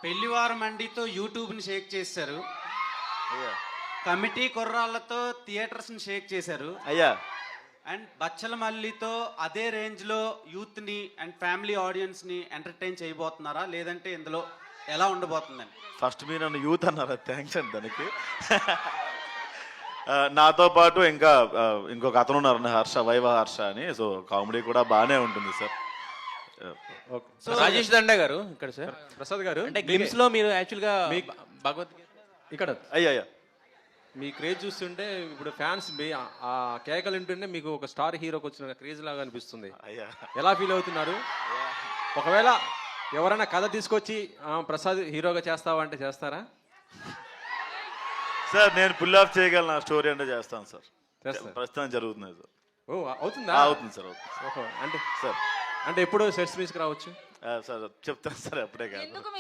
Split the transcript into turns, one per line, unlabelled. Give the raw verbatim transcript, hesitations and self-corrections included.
పెళ్లివారం మండితో యూట్యూబ్ని షేక్ చేశారు.
అయ్యా
కమిటీ కుర్రాళ్ళతో థియేటర్స్ని షేక్ చేశారు.
అయ్యా
అండ్ బచ్చల మల్లితో అదే రేంజ్లో యూత్ని అండ్ ఫ్యామిలీ ఆడియన్స్ని ఎంటర్టైన్ చేయబోతున్నారా, లేదంటే ఇందులో ఎలా ఉండబోతుందని?
ఫస్ట్ మీరు నన్ను యూత్ అన్నారా, థ్యాంక్స్ అండి దానికి. ఆ, నాతో పాటు ఇంకా ఆ, ఇంకొక అతను ఉన్నారు హర్ష, వైవ హర్ష అని. సో కామెడీ కూడా బాగానే ఉంటుంది సార్.
సో రాజేష్ దండ గారు ఇక్కడ సార్,
ప్రసాద్ గారు
అంటే గ్లిమ్స్ లో మీరు యాక్చువల్గా భగవద్గీత
ఇక్కడ
అయ్యా అయ్యా
మీ క్రేజ్ చూస్తుంటే ఇప్పుడు ఫ్యాన్స్ ఆ కేకలు వింటుంటే మీకు ఒక స్టార్ హీరోకి వచ్చిన క్రేజ్ లాగా అనిపిస్తుంది.
అయ్యా
ఎలా ఫీల్ అవుతున్నారు? ఒకవేళ ఎవరైనా కథ తీసుకొచ్చి ఆ, ప్రసాద్ హీరోగా చేస్తావా అంటే చేస్తారా?
సార్ నేను పుల్ ఆఫ్ చేయగలను, నా స్టోరీ అంటే చేస్తాను సార్.
చేస్తారు.
ప్రస్తుతం జరుగుతుంది సార్.
ఓ అవుతుందా?
ఆ, అవుతుంది సార్ అవుతుంది
ఓహో, అంటే
సార్.
అంటే ఎప్పుడు సెట్స్ మీస్కి రావచ్చు?
ఆ, సార్ చెప్తాను సార్, అప్పుడే కాదు.